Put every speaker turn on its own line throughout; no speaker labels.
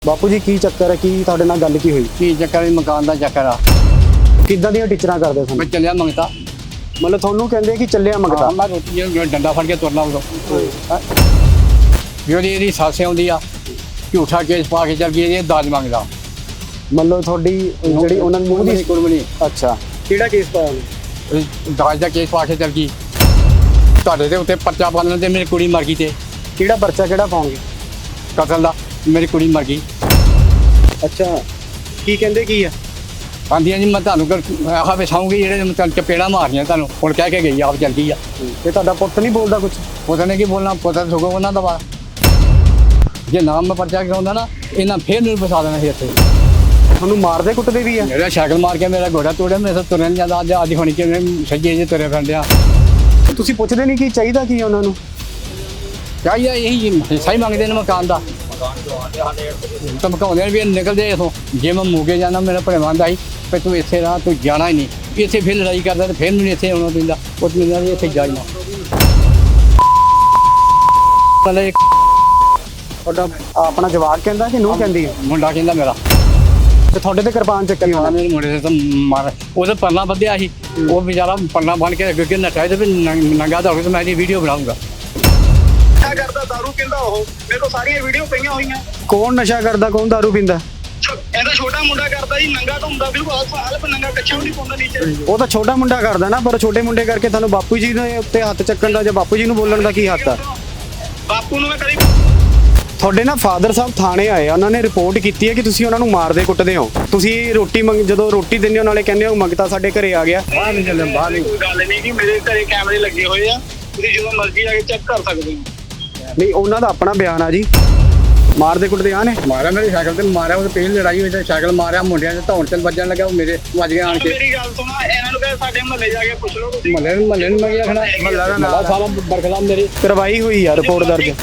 ਬਾਪੂ ਜੀ ਕੀ ਚੱਕਰ ਹੈ, ਕੀ ਤੁਹਾਡੇ ਨਾਲ ਗੱਲ ਕੀ ਹੋਈ?
ਕੀ ਚੱਕਰ ਹੈ? ਮਕਾਨ ਦਾ ਚੱਕਰ ਆ।
ਕਿੱਦਾਂ ਦੀਆਂ ਟੀਚਰਾਂ ਕਰਦੇ
ਮੈਂ
ਤੁਹਾਨੂੰ?
ਚੱਲਿਆ ਮੰਗਤਾ।
ਮਤਲਬ ਤੁਹਾਨੂੰ ਕਹਿੰਦੇ ਕਿ ਚੱਲਿਆ ਮੰਗਤਾ।
ਮੈਂ ਰੋਟੀ ਜਿਹੜਾ ਡੰਡਾ ਫੜ ਕੇ ਤੁਰਨਾ ਉਦੋਂ ਜਿਹੜੀ ਇਹਦੀ ਸੱਸ ਆਉਂਦੀ ਆ ਝੂਠਾ ਕੇਸ ਪਾ ਕੇ ਚੱਲ ਗਈ, ਇਹ ਦਾਜ ਮੰਗਦਾ।
ਮਤਲਬ ਤੁਹਾਡੀ ਜਿਹੜੀ ਉਹਨਾਂ ਦੀ ਮੂੰਹ ਦੀ
ਕੁਰਬਨੀ
ਅੱਛਾ, ਕਿਹੜਾ ਕੇਸ ਪਾਇਆ ਉਹਨੇ?
ਦਾਜ ਦਾ ਕੇਸ ਪਾ ਕੇ ਚੱਲ ਗਈ। ਤੁਹਾਡੇ ਦੇ ਉੱਤੇ ਪਰਚਾ ਪਾ ਲੈਂਦੇ, ਮੇਰੀ ਕੁੜੀ ਮਰ ਗਈ। ਤੇ
ਕਿਹੜਾ ਪਰਚਾ ਕਿਹੜਾ ਪਾਉਂਗੇ?
ਕਤਲ ਦਾ, ਮੇਰੀ ਕੁੜੀ ਮਰ ਗਈ।
ਅੱਛਾ, ਕੀ ਕਹਿੰਦੇ ਕੀ ਆ?
ਆਂਦੀਆਂ ਜੀ ਮੈਂ ਤੁਹਾਨੂੰ ਆਖਾ ਵਿਛਾਉਂਗੀ, ਜਿਹੜੇ ਮੈਂ ਤੁਹਾਨੂੰ ਚਪੇੜਾਂ ਮਾਰਨੀਆਂ ਤੁਹਾਨੂੰ ਹੁਣ ਕਹਿ ਕੇ ਗਈ, ਆਪ ਚੱਲ ਗਈ ਆ।
ਤੇ ਤੁਹਾਡਾ ਪੁੱਤ ਨਹੀਂ ਬੋਲਦਾ ਕੁਝ?
ਪਤਾ ਨਹੀਂ ਕੀ ਬੋਲਣਾ, ਪਤਾ ਸਗੋਂ ਉਹਨਾਂ ਦਾ ਵਾ। ਜੇ ਨਾਮ ਮੈਂ ਪਰਚਾ ਕਰਾਉਂਦਾ ਨਾ, ਇਹਨਾਂ ਫੇਰ ਮੈਨੂੰ ਫਸਾ ਦੇਣਾ ਸੀ ਇੱਥੇ।
ਤੁਹਾਨੂੰ ਮਾਰਦੇ ਕੁੱਟਦੇ ਵੀ ਆ?
ਮੇਰਾ ਸਾਈਕਲ ਮਾਰ ਕੇ ਮੇਰਾ ਗੋਡਾ ਤੋੜਿਆ, ਮੇਰੇ ਤੋਂ ਤੁਰਿਆ ਨੀ ਜਾਂਦਾ। ਅੱਜ ਹੋਣੀ ਕਿ ਸੱਜੇ ਜੇ ਤੁਰੇ ਫਿਰਦਿਆ।
ਤੁਸੀਂ ਪੁੱਛਦੇ ਨਹੀਂ ਕਿ ਚਾਹੀਦਾ ਕੀ ਉਹਨਾਂ ਨੂੰ?
ਚਾਹੀਦਾ ਇਹੀ ਹਿੱਸਾ ਹੀ ਮੰਗਦੇ ਨੇ ਮਕਾਨ ਦਾ। ਧਮਕਾਉਂਦੇ ਨੇ ਵੀ ਨਿਕਲਦੇ ਇਥੋਂ। ਜੇ ਮੈਂ ਮੂਗੇ ਜਾਣਾ, ਮੇਰਾ ਭਣੇਵਾਂ ਦਾ ਸੀ ਵੀ ਤੂੰ ਇੱਥੇ ਰਹਾ, ਤੂੰ ਜਾਣਾ ਹੀ ਨਹੀਂ। ਇੱਥੇ ਫਿਰ ਲੜਾਈ ਕਰਦਾ ਤੇ ਫਿਰ ਮੈਨੂੰ ਇੱਥੇ ਆਉਣਾ ਪੈਂਦਾ। ਉਹ ਮੈਨੂੰ ਇੱਥੇ ਜਾਈਣਾ। ਪਹਿਲੇ
ਤੁਹਾਡਾ ਆਪਣਾ ਜਵਾਕ ਕਹਿੰਦਾ ਕਿ ਨੂੰਹ ਕਹਿੰਦੀ ਹੈ?
ਮੁੰਡਾ ਕਹਿੰਦਾ ਮੇਰਾ।
ਤੇ ਤੁਹਾਡੇ ਤੇ ਕਿਰਪਾਨ ਚੱਕੀ ਹੋਣਾ?
ਮੇਰੇ ਮੁੰਡੇ ਦੇ ਤਾਂ ਮਾਰ ਉਹਦੇ ਪਰਨਾ ਬੱਧਿਆ ਸੀ। ਉਹ ਵਿਚਾਰਾ ਪਰਨਾ ਬੰਨ ਕੇ ਅੱਗੇ ਨੱਠਾ ਤੇ ਨੰਗਾ ਦੌੜ ਕੇ ਮੈਂ ਇਹਦੀ ਵੀਡੀਓ ਬਣਾਉਂਗਾ।
ਨਸ਼ਾ ਕਰਦਾ, ਦਾਰੂ ਪੀਂਦਾ। ਉਹ ਮੇਰੇ ਕੋਲ ਸਾਰੀਆਂ ਵੀਡੀਓ ਪਈਆਂ ਹੋਈਆਂ।
ਕੌਣ ਨਸ਼ਾ ਕਰਦਾ, ਕੌਣ ਦਾਰੂ ਪੀਂਦਾ?
ਇਹਦਾ ਛੋਟਾ ਮੁੰਡਾ ਕਰਦਾ ਜੀ, ਨੰਗਾ ਤਾਂ ਹੁੰਦਾ ਬਿਲਕੁਲ ਹਾਲਪ ਨੰਗਾ, ਕੱਛਾ ਵੀ ਨਹੀਂ ਪਾਉਂਦਾ ਨੀਚੇ।
ਉਹ ਤਾਂ ਛੋਟਾ ਮੁੰਡਾ ਕਰਦਾ ਨਾ, ਪਰ ਛੋਟੇ ਮੁੰਡੇ ਕਰਕੇ ਤੁਹਾਨੂੰ ਬਾਪੂ ਜੀ ਦੇ ਉੱਤੇ ਹੱਥ ਚੱਕਣ ਦਾ ਜਾਂ ਬਾਪੂ ਜੀ ਨੂੰ ਬੋਲਣ ਦਾ ਕੀ ਹੱਕ ਆ?
ਬਾਪੂ ਨੂੰ ਮੈਂ ਕਦੀ
ਤੁਹਾਡੇ ਨਾ ਫਾਦਰ ਸਾਹਿਬ ਥਾਣੇ ਆਏ ਆ, ਉਹਨਾਂ ਨੇ ਰਿਪੋਰਟ ਕੀਤੀ ਹੈ ਕਿ ਤੁਸੀਂ ਉਹਨਾਂ ਨੂੰ ਮਾਰਦੇ ਕੁੱਟਦੇ ਹੋ। ਤੁਸੀਂ ਰੋਟੀ ਜਦੋਂ ਰੋਟੀ ਦਿੰਦੇ ਹੋ ਨਾਲੇ ਕਹਿੰਦੇ ਹੋ ਮੰਗਤਾ ਸਾਡੇ ਘਰੇ ਆ ਗਿਆ।
ਬਾਹਰ ਨਹੀਂ ਚੱਲੇ, ਬਾਹਰ ਨਹੀਂ।
ਕੋਈ ਗੱਲ ਨਹੀਂ ਕਿ ਮੇਰੇ ਘਰੇ ਕੈਮਰੇ ਲੱਗੇ ਹੋਏ ਆ, ਤੁਸੀਂ ਜਦੋਂ ਮਰਜ਼ੀ ਆ ਕੇ ਚੈੱਕ ਕਰ ਸਕਦੇ ਹੋ।
ਨਹੀਂ, ਉਹਨਾਂ ਦਾ ਆਪਣਾ ਬਿਆਨ ਆ ਜੀ। ਮਾਰਦੇ ਕੁੱਟਦੇ ਆ ਨੇ?
ਮਾਰਿਆ ਮੇਰੇ ਸਾਈਕਲ ਤੇ ਮਾਰਿਆ। ਉਹ ਪਹਿਲੀ ਲੜਾਈ ਹੋਈ ਤੇ ਸਾਈਕਲ ਮਾਰਿਆ, ਮੁੰਡਿਆਂ ਦੇ ਧੌਣ ਤੇ ਵੱਜਣ ਲੱਗਾ। ਉਹ ਮੇਰੇ ਵੱਜ ਗਿਆ ਆਣ ਕੇ।
ਮੇਰੀ ਗੱਲ ਸੁਣਾ, ਇਹਨਾਂ ਨੂੰ ਕਹੇ ਸਾਡੇ ਮਹੱਲੇ ਜਾ ਕੇ ਪੁੱਛ ਲਓ ਤੁਸੀਂ।
ਮਹੱਲੇ ਨੂੰ ਮੈਂ ਕੀ ਆਖਣਾ? ਮਹੱਲਾ ਸਾਰਾ ਬਰਖਲਾਫ ਮੇਰੇ
ਕਰਵਾਈ ਹੋਈ ਆ ਰਿਪੋਰਟ ਦਰਜ।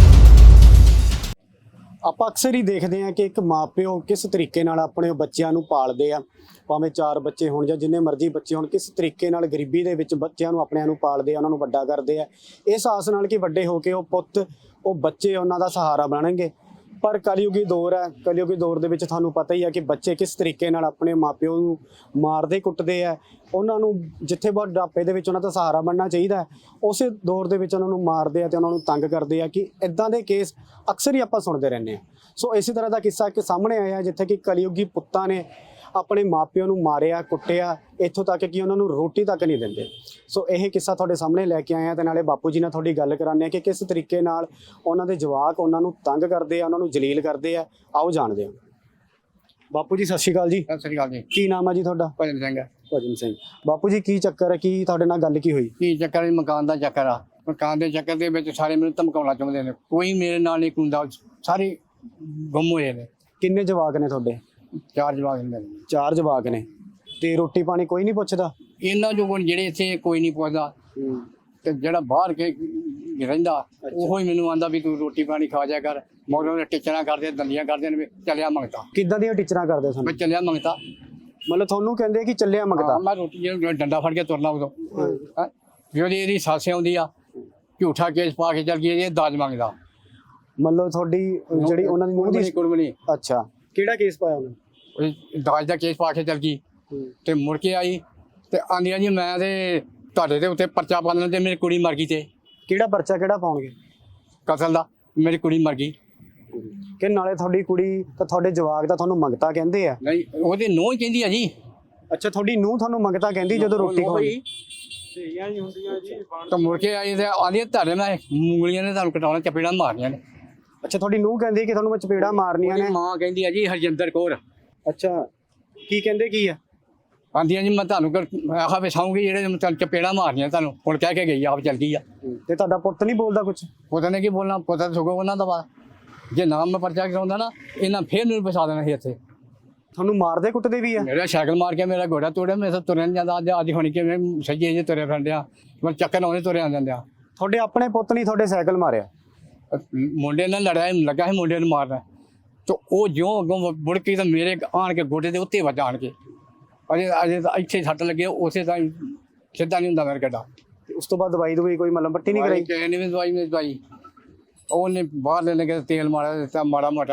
ਆਪਾਂ ਅਕਸਰ ਹੀ ਦੇਖਦੇ ਹਾਂ ਕਿ ਇੱਕ ਮਾਪਿਓ ਕਿਸ ਤਰੀਕੇ ਨਾਲ ਆਪਣੇ ਬੱਚਿਆਂ ਨੂੰ ਪਾਲਦੇ ਆ, ਭਾਵੇਂ 4 ਬੱਚੇ ਹੋਣ ਜਾਂ ਜਿੰਨੇ ਮਰਜ਼ੀ ਬੱਚੇ ਹੋਣ, ਕਿਸ ਤਰੀਕੇ ਨਾਲ ਗਰੀਬੀ ਦੇ ਵਿੱਚ ਬੱਚਿਆਂ ਨੂੰ ਆਪਣਿਆਂ ਨੂੰ ਪਾਲਦੇ ਆ, ਉਹਨਾਂ ਨੂੰ ਵੱਡਾ ਕਰਦੇ ਆ, ਇਸ ਆਸ ਨਾਲ ਕਿ ਵੱਡੇ ਹੋ ਕੇ ਉਹ ਪੁੱਤ, ਉਹ ਬੱਚੇ ਉਹਨਾਂ ਦਾ ਸਹਾਰਾ ਬਣਨਗੇ। ਪਰ ਕਲਯੁਗੀ ਦੌਰ ਹੈ। ਕਲਯੁਗੀ ਦੌਰ ਦੇ ਵਿੱਚ ਤੁਹਾਨੂੰ ਪਤਾ ਹੀ ਹੈ ਕਿ ਬੱਚੇ ਕਿਸ ਤਰੀਕੇ ਨਾਲ ਆਪਣੇ ਮਾਪਿਓ ਨੂੰ ਮਾਰਦੇ ਕੁੱਟਦੇ ਆ। ਉਹਨਾਂ ਨੂੰ ਜਿੱਥੇ ਬੁਢਾਪੇ ਦੇ ਵਿੱਚ ਉਹਨਾਂ ਦਾ ਸਹਾਰਾ ਬਣਨਾ ਚਾਹੀਦਾ ਹੈ, ਉਸੇ ਦੌਰ ਦੇ ਵਿੱਚ ਉਹਨਾਂ ਨੂੰ ਮਾਰਦੇ ਆ ਤੇ ਉਹਨਾਂ ਨੂੰ ਤੰਗ ਕਰਦੇ ਆ। ਕਿ ਇਦਾਂ ਦੇ ਕੇਸ ਅਕਸਰ ਹੀ ਆਪਾਂ ਸੁਣਦੇ ਰਹਿੰਦੇ ਹਾਂ। ਸੋ ਇਸੇ ਤਰ੍ਹਾਂ ਦਾ ਕਿੱਸਾ ਇੱਕ ਸਾਹਮਣੇ ਆਇਆ ਜਿੱਥੇ ਕਿ ਕਲਯੁਗੀ ਪੁੱਤਾਂ ਨੇ ਆਪਣੇ ਮਾਪਿਆਂ ਨੂੰ ਮਾਰਿਆ ਕੁੱਟਿਆ, ਇੱਥੋਂ ਤੱਕ ਕਿ ਉਹਨਾਂ ਨੂੰ ਰੋਟੀ ਤੱਕ ਨਹੀਂ ਦਿੰਦੇ। ਸੋ ਇਹ ਕਿੱਸਾ ਤੁਹਾਡੇ ਸਾਹਮਣੇ ਲੈ ਕੇ ਆਏ ਆ ਤੇ ਨਾਲੇ ਬਾਪੂ ਜੀ ਨਾਲ ਤੁਹਾਡੀ ਗੱਲ ਕਰਾਉਂਦੇ ਆ ਕਿ ਕਿਸ ਤਰੀਕੇ ਨਾਲ ਉਹਨਾਂ ਦੇ ਜਵਾਕ ਉਹਨਾਂ ਨੂੰ ਤੰਗ ਕਰਦੇ ਆ, ਉਹਨਾਂ ਨੂੰ ਜਲੀਲ ਕਰਦੇ ਆ। ਆਓ ਜਾਣਦੇ ਹਾਂ। ਬਾਪੂ ਜੀ ਸਤਿ ਸ਼੍ਰੀ ਅਕਾਲ ਜੀ।
ਸਤਿ ਸ੍ਰੀ ਅਕਾਲ ਜੀ।
ਕੀ ਨਾਮ ਆ ਜੀ ਤੁਹਾਡਾ?
ਭਜਨ ਸਿੰਘ।
ਭਜਨ ਸਿੰਘ। ਬਾਪੂ ਜੀ ਕੀ ਚੱਕਰ ਹੈ, ਕੀ ਤੁਹਾਡੇ ਨਾਲ ਗੱਲ ਕੀ ਹੋਈ?
ਕੀ ਚੱਕਰ ਹੈ? ਮਕਾਨ ਦਾ ਚੱਕਰ ਆ। ਮਕਾਨ ਦੇ ਚੱਕਰ ਦੇ ਵਿੱਚ ਸਾਰੇ ਮੈਨੂੰ ਧਮਕਾਉਣਾ ਚਾਹੁੰਦੇ ਨੇ। ਕੋਈ ਮੇਰੇ ਨਾਲ ਨਹੀਂ ਹੁੰਦਾ, ਸਾਰੇ ਗੁੰਮ ਹੋਏ ਨੇ।
ਕਿੰਨੇ ਜਵਾਕ ਨੇ ਤੁਹਾਡੇ?
4 ਜਵਾਕ ਹੁੰਦੇ ਨੇ।
4 ਜਵਾਕ ਨੇ ਤੇ ਰੋਟੀ ਪਾਣੀ ਕੋਈ ਨਹੀਂ ਪੁੱਛਦਾ?
ਇਹਨਾਂ ਜੋ ਜਿਹੜੇ ਇੱਥੇ ਕੋਈ ਨਹੀਂ ਪੁੱਛਦਾ, ਤੇ ਜਿਹੜਾ ਬਾਹਰ ਕੇ ਰਹਿੰਦਾ ਉਹੋ ਹੀ ਮੈਨੂੰ ਆਂਦਾ ਵੀ ਤੂੰ ਰੋਟੀ ਪਾਣੀ ਖਾ ਜਾ ਕਰ। ਮਗਰੋਂ ਟੀਚਰਾਂ ਕਰਦੇ, ਦੰਦੀਆਂ ਕਰਦੇ ਨੇ ਵੀ ਚੱਲਿਆ ਮੰਗਤਾ।
ਕਿੱਦਾਂ ਦੀਆਂ ਟੀਚਰਾਂ ਕਰਦੇ
ਮੈਂ
ਤੁਹਾਨੂੰ?
ਚੱਲਿਆ ਮੰਗਤਾ।
ਮਤਲਬ ਤੁਹਾਨੂੰ ਕਹਿੰਦੇ ਕਿ ਚੱਲਿਆ ਮੰਗਤਾ?
ਮੈਂ ਰੋਟੀ ਜਿਹੜਾ ਡੰਡਾ ਫੜ ਕੇ ਤੁਰਨਾ ਉਦੋਂ ਜਿਹੜੀ ਇਹਦੀ ਸੱਸ ਆਉਂਦੀ ਆ ਝੂਠਾ ਕੇਸ ਪਾ ਕੇ ਚੱਲ ਗਈ, ਇਹ ਦਾਜ ਮੰਗਦਾ।
ਮਤਲਬ ਤੁਹਾਡੀ ਜਿਹੜੀ ਉਹਨਾਂ ਦੀ ਮੂੰਹ ਦੀ
ਕੁਰਬਨੀ।
ਅੱਛਾ, ਕਿਹੜਾ ਕੇਸ ਪਾਇਆ ਉਹਨੇ?
ਦਾਜ ਦਾ ਕੇਸ ਪਾ ਕੇ ਚੱਲ ਗਈ ਤੇ ਮੁੜ ਕੇ ਆਈ ਤੇ ਆਂਦੀਆਂ ਜੀ ਮੈਂ ਤੇ ਤੁਹਾਡੇ ਦੇ ਉੱਤੇ ਪਰਚਾ ਪਾ ਲੈਂਦੇ, ਮੇਰੀ ਕੁੜੀ ਮਰ ਗਈ। ਤੇ
ਕਿਹੜਾ ਪਰਚਾ ਕਿਹੜਾ ਪਾਉਣਗੇ?
ਕਤਲ ਦਾ, ਮੇਰੀ ਕੁੜੀ ਮਰ ਗਈ।
ਕਿ ਨਾਲੇ ਤੁਹਾਡੀ ਕੁੜੀ ਤਾਂ ਤੁਹਾਡੇ ਜਵਾਕ ਦਾ ਤੁਹਾਨੂੰ ਮੰਗਤਾ ਕਹਿੰਦੇ ਆ?
ਨਹੀਂ, ਉਹਦੀ ਨੂੰਹ ਹੀ ਕਹਿੰਦੀ ਆ ਜੀ।
ਅੱਛਾ, ਤੁਹਾਡੀ ਨੂੰਹ ਤੁਹਾਨੂੰ ਮੰਗਤਾ ਕਹਿੰਦੀ ਜਦੋਂ ਰੋਟੀ ਖਾਣੀ?
ਤਾਂ ਮੁੜ ਕੇ ਆਈ ਤੇ ਆਂਦੀ ਤੁਹਾਡੇ ਮੈਂ ਮੂੰਗਲੀਆਂ ਨੇ ਤੁਹਾਨੂੰ ਕਟਾਉਣਾ, ਚਪੇੜਾਂ ਮਾਰਨੀਆਂ ਨੇ।
ਅੱਛਾ, ਤੁਹਾਡੀ ਨੂੰਹ ਕਹਿੰਦੀ ਕਿ ਤੁਹਾਨੂੰ ਮੈਂ ਚਪੇੜਾਂ ਮਾਰਨੀਆਂ ਨੇ?
ਮਾਂ ਕਹਿੰਦੀ ਆ ਜੀ ਹਰਜਿੰਦਰ ਕੌਰ।
ਅੱਛਾ, ਕੀ ਕਹਿੰਦੇ ਕੀ ਆ?
ਆਂਦੀਆਂ ਜੀ ਮੈਂ ਤੁਹਾਨੂੰ ਆਖਾ ਵਿਛਾਉਂਗੀ, ਜਿਹੜੇ ਮੈਂ ਤੁਹਾਨੂੰ ਚਪੇੜਾਂ ਮਾਰਨੀਆਂ ਤੁਹਾਨੂੰ ਹੁਣ ਕਹਿ ਕੇ ਗਈ, ਆਪ ਚੱਲ ਗਈ ਆ।
ਤੇ ਤੁਹਾਡਾ ਪੁੱਤ ਨਹੀਂ ਬੋਲਦਾ ਕੁਝ?
ਪਤਾ ਨਹੀਂ ਕੀ ਬੋਲਣਾ, ਪਤਾ ਸਗੋਂ ਉਹਨਾਂ ਦਾ ਵਾ। ਜੇ ਨਾਮ ਮੈਂ ਪਰਚਾ ਕਰਾਉਂਦਾ ਨਾ, ਇਹਨਾਂ ਫੇਰ ਮੈਨੂੰ ਫਸਾ ਦੇਣਾ ਸੀ ਇੱਥੇ।
ਤੁਹਾਨੂੰ ਮਾਰਦੇ ਕੁੱਟਦੇ ਵੀ ਆ?
ਮੇਰਾ ਸਾਈਕਲ ਮਾਰ ਕੇ ਮੇਰਾ ਗੋਡਾ ਤੋੜਿਆ, ਮੇਰੇ ਤੋਂ ਤੁਰਿਆ ਨੀ ਜਾਂਦਾ। ਅੱਜ ਹੋਣੀ ਕਿ ਸੱਜੇ ਜੇ ਤੁਰੇ ਫਿਰਦਿਆ, ਮੈਂ ਚੱਕਰ ਆਉਂਦੇ ਤੁਰਿਆ ਜਾਂਦੇ ਆ।
ਤੁਹਾਡੇ ਆਪਣੇ ਪੁੱਤ ਨਹੀਂ ਤੁਹਾਡੇ ਸਾਈਕਲ ਮਾਰਿਆ?
ਮੁੰਡੇ ਨਾਲ ਲੜਿਆ, ਲੱਗਾ ਸੀ ਮੁੰਡੇ ਨੂੰ ਮਾਰਨਾ, ਤੇ ਉਹ ਜਿਉਂ ਅੱਗੋਂ ਮੁੜ ਕੇ ਤਾਂ ਮੇਰੇ ਆਣ ਕੇ ਗੋਡੇ ਦੇ ਉੱਤੇ ਵੱਜ ਆਣ ਕੇ। ਅਜੇ ਤਾਂ ਇੱਥੇ ਸੱਟ ਲੱਗੇ, ਉਸੇ ਤਾਂ ਸਿੱਧਾ ਨਹੀਂ ਹੁੰਦਾ ਮੇਰਾ ਗੱਡਾ।
ਉਸ ਤੋਂ ਬਾਅਦ ਦਵਾਈ ਕੋਈ ਮਲਮ ਪੱਟੀ ਨਹੀਂ ਕਰਾਈ?
ਕਿਸੇ ਨੇ ਵੀ ਦਵਾਈ ਉਹਨੇ ਬਾਹਰ ਲੈ ਕੇ ਤੇਲ ਮਾਰਿਆ ਦਿੱਤਾ ਮਾੜਾ ਮੋਟਾ,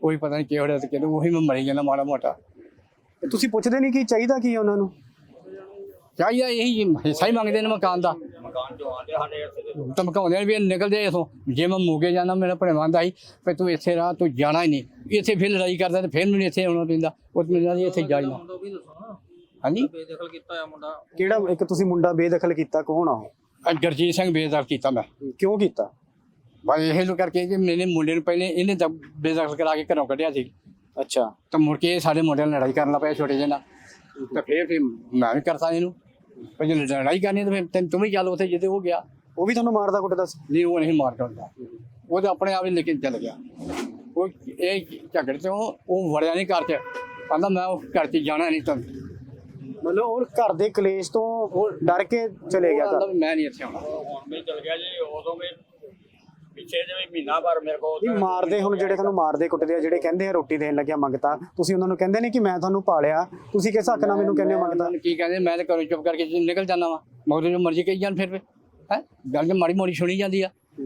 ਉਹੀ ਪਤਾ ਨਹੀਂ ਕਿਹੜੇ ਤੇ ਕਿਹੜੇ, ਉਹੀ ਮੈਂ ਮਰੀ ਜਾਂਦਾ ਮਾੜਾ ਮੋਟਾ।
ਤੇ ਤੁਸੀਂ ਪੁੱਛਦੇ ਨਹੀਂ ਕਿ ਚਾਹੀਦਾ ਕੀ ਹੈ ਉਹਨਾਂ ਨੂੰ?
ਚਾਹੀਦਾ ਇਹੀ ਹਿੱਸਾ ਹੀ ਮੰਗਦੇ ਨੇ ਮਕਾਨ ਦਾ, ਧਮਕਾਉਂਦੇ ਨੇ ਵੀ ਨਿਕਲਦੇ ਇਥੋਂ। ਜੇ ਮੈਂ ਮੋਗੇ ਜਾਣਾ ਮੇਰਾ ਭਣੇਵਾਂ ਦਾ ਸੀ ਵੀ ਤੂੰ ਇੱਥੇ ਰਹਾ, ਤੂੰ ਜਾਣਾ ਹੀ ਨਹੀਂ, ਇੱਥੇ ਫਿਰ ਲੜਾਈ ਕਰਦਾ ਤੇ ਫਿਰ ਮੈਨੂੰ ਇੱਥੇ ਆਉਣਾ ਪੈਂਦਾ। ਉਹ ਮੈਨੂੰ ਇੱਥੇ ਜਾਣਾ। ਹਾਂਜੀ
ਬੇਦਖਲ ਕੀਤਾ ਹੋਇਆ ਮੁੰਡਾ
ਕਿਹੜਾ ਇੱਕ ਤੁਸੀਂ ਮੁੰਡਾ ਬੇਦਖਲ ਕੀਤਾ, ਕੌਣ ਆ ਉਹ?
ਗੁਰਜੀਤ ਸਿੰਘ ਬੇਦਖਲ ਕੀਤਾ ਮੈਂ,
ਕਿਉਂ ਕੀਤਾ?
ਬਸ ਇਹ ਲੋ ਕਰਕੇ ਕਿ ਮੇਰੇ ਮੁੰਡੇ ਨੂੰ ਪਹਿਲੇ ਇਹਨੇ ਤਾਂ ਬੇਦਖਲ ਕਰਾ ਕੇ ਘਰੋਂ ਕੱਢਿਆ ਸੀ।
ਅੱਛਾ,
ਤਾਂ ਮੁੜ ਕੇ ਸਾਡੇ ਮੁੰਡਿਆਂ ਨਾਲ ਲੜਾਈ ਕਰਨ ਲੱਗ ਪਿਆ ਛੋਟੇ ਜਿਹੇ ਨਾਲ। ਤਾਂ ਫਿਰ ਮੈਂ ਵੀ ਕਰਤਾ ਇਹਨੂੰ, ਪਰ ਜੇ ਲੜਾਈ ਕਰਨੀ ਤਾਂ ਫਿਰ ਤੂੰ ਵੀ ਚੱਲ ਉੱਥੇ ਜਿੱਥੇ ਉਹ ਗਿਆ।
ਉਹ ਵੀ ਤੁਹਾਨੂੰ ਮਾਰਦਾ ਕੁੱਟਦਾ ਸੀ?
ਨਹੀਂ ਉਹ ਨਹੀਂ ਮਾਰ ਕਰਦਾ, ਉਹ ਤਾਂ ਆਪਣੇ ਆਪ ਹੀ ਲੈ ਕੇ ਚੱਲ ਗਿਆ। ਉਹ ਇਹ ਝਗੜੇ ਤੋਂ ਉਹ ਵੜਿਆ ਨਹੀਂ ਘਰ 'ਚ, ਕਹਿੰਦਾ ਮੈਂ ਉਹ ਘਰ 'ਚ ਜਾਣਾ ਨਹੀਂ। ਤਾਂ
ਮਤਲਬ ਉਹ ਘਰ ਦੇ ਕਲੇਸ਼ ਤੋਂ ਉਹ ਡਰ ਕੇ ਚਲੇ ਗਿਆ ਘਰ?
ਮੈਂ ਨਹੀਂ ਇੱਥੇ ਆਉਣਾ।
ਹੁਣ ਵੀ ਚਲ ਗਿਆ ਜੀ, ਉਦੋਂ ਵੀ ਪਿੱਛੇ ਜਿਵੇਂ ਮਹੀਨਾ ਭਰ ਮੇਰੇ ਕੋਲ
ਨਹੀਂ ਮਾਰਦੇ, ਹੁਣ ਜਿਹੜੇ ਤੁਹਾਨੂੰ ਮਾਰਦੇ ਕੁੱਟਦੇ ਆ, ਜਿਹੜੇ ਕਹਿੰਦੇ ਆ ਰੋਟੀ ਦੇਣ ਲੱਗਿਆ ਮੰਗਤਾ, ਤੁਸੀਂ ਉਹਨਾਂ ਨੂੰ ਕਹਿੰਦੇ ਨਹੀਂ ਕਿ ਮੈਂ ਤੁਹਾਨੂੰ ਪਾਲਿਆ, ਤੁਸੀਂ ਕਿਸ ਹੱਕ ਨਾਲ ਮੈਨੂੰ ਕਹਿੰਦੇ ਹੋ ਮੰਗਤਾ?
ਕੀ ਕਹਿੰਦੇ, ਮੈਂ ਤਾਂ ਘਰੋਂ ਚੁੱਪ ਕਰਕੇ ਨਿਕਲ ਜਾਂਦਾ ਵਾ, ਮਗਰ ਜੋ ਮਰਜ਼ੀ ਕਹੀ ਜਾਣ। ਫਿਰ ਹੈ ਗੱਲ ਜੇ ਮਾੜੀ ਮੋੜੀ ਸੁਣੀ ਜਾਂਦੀ ਆ।